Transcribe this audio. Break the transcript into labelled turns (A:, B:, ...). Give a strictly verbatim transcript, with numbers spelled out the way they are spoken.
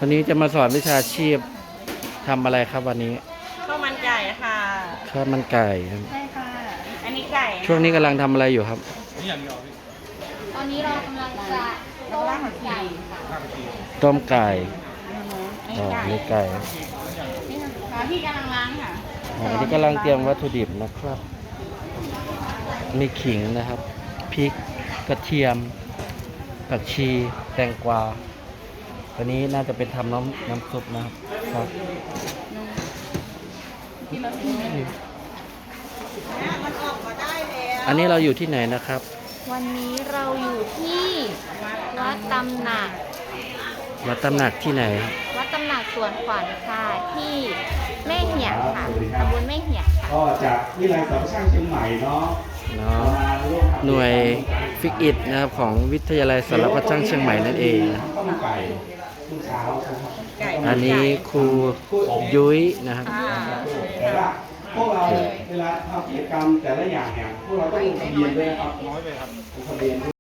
A: วันนี้จะมาสอนวิชาชีพทำอะไรครับวันนี้
B: ข้าวมันไก่ค่ะ
A: ข้าวมันไก่ครับ
B: ใช่ค่ะอันนี้ไก่
A: ช่วงนี้กำลังทำอะไรอยู่ครับ
C: ตอนนี้เรากำลังจะต้มไก่ค่ะ
A: ต้มไก่
B: อัน
A: อ๋อ
B: นี้ไก่
A: นี่ไก่
B: นี่ค่ะพี่กำลังล้างค่ะ
A: อ๋ออันนี้กำลังเตรียมวัตถุดิบนะครับ มีขิงนะครับพริกกระเทียมผักชีแตงกวาวันนี้น่าจะเป็นทำน้ำน้ำซุปนะครับครับอันนี้เราอยู่ที่ไหนนะครับ
C: วันนี้เราอยู่ที่วัดตำหนัก
A: วัดตำหนักที่ไหน
C: วัดตำหนักสวนขวัญค่ะที่แม่เหี่ยค่ะตำบลแม่เหี่ย
D: ก็จากวิทยาลัยสารช่างเชียงใหม่เนาะ
A: เนาะหน่วยฟิกอิดนะครับของวิทยาลัยสารพัดช่างเชียงใหม่นั่นเองอันนี้ครูยุ้ยนะครับ
D: แต่ว่าพวกเราเวลาทำกิจกรรมแต่ละอย่างเนี่ยพวกเราต้องลงทะเบียนด้วยครับน้อยไปครับลงทะเบียน